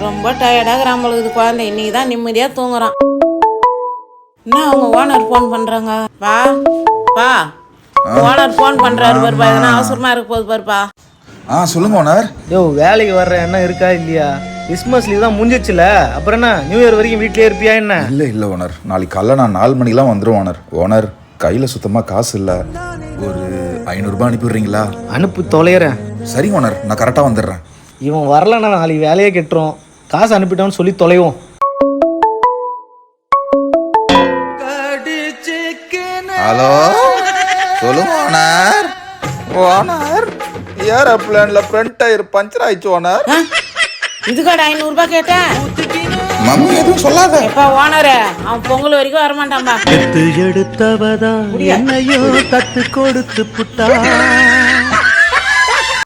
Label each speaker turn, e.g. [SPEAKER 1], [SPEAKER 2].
[SPEAKER 1] ரொம்ப டயர்டாக நம்மளுக்கு குழந்தை இன்னைக்கு தான் நிம்மதியாக தூங்குறான். என்ன அவங்க ஓனர் ஃபோன் பண்ணுறாங்க? பா ஓனர் ஃபோன் பண்ணுறாரு பாருப்பா, எதனா அவசரமாக இருக்க போகுது பாருப்பா.
[SPEAKER 2] சொல்லுங்க ஓனர்.
[SPEAKER 3] வேலைக்கு வர்ற என்ன இருக்கா இல்லையா? கிறிஸ்மஸ் லீவ் தான் முடிஞ்சிச்சுல, அப்புறம் என்ன நியூ இயர் வரைக்கும் வீட்லயே இருப்பியா என்ன?
[SPEAKER 2] இல்லை ஓனர், நாளைக்கு காலைல நான் 4 மணிக்கெலாம் வந்துடும் ஓனர். ஓனர் கையில் சுத்தமாக காசு இல்லை, ஒரு 500 ரூபாய் அனுப்பிடுறீங்களா?
[SPEAKER 3] அனுப்பு தொலைகிறேன்.
[SPEAKER 2] சரி ஓனர், நான் கரெக்டாக வந்துடுறேன்.
[SPEAKER 3] இவன் வரலன்னா நாளைக்கு வேலையே கெட்டுரும். காசு அனுப்பிட்டோன்னு சொல்லி தொலைவோம்.
[SPEAKER 2] ஹலோ சொல்லுங்க ஓனர். ஓனர் ஏரோப்ளேன்ல ஃப்ரண்ட் டயர் பஞ்சர் ஆயிடுச்சு ஓனர்.
[SPEAKER 1] இதுக்காட 500 ரூபாய் கேட்டேன்.
[SPEAKER 2] மம்மி எதுவும் சொல்லாத.
[SPEAKER 1] எப்பா ஓனரு, அவன் பொங்கல் வரைக்கும் வரமாட்டான்பா.
[SPEAKER 4] எடுத்தவதான் என்னையோ தத்து கொடுத்து புட்டா.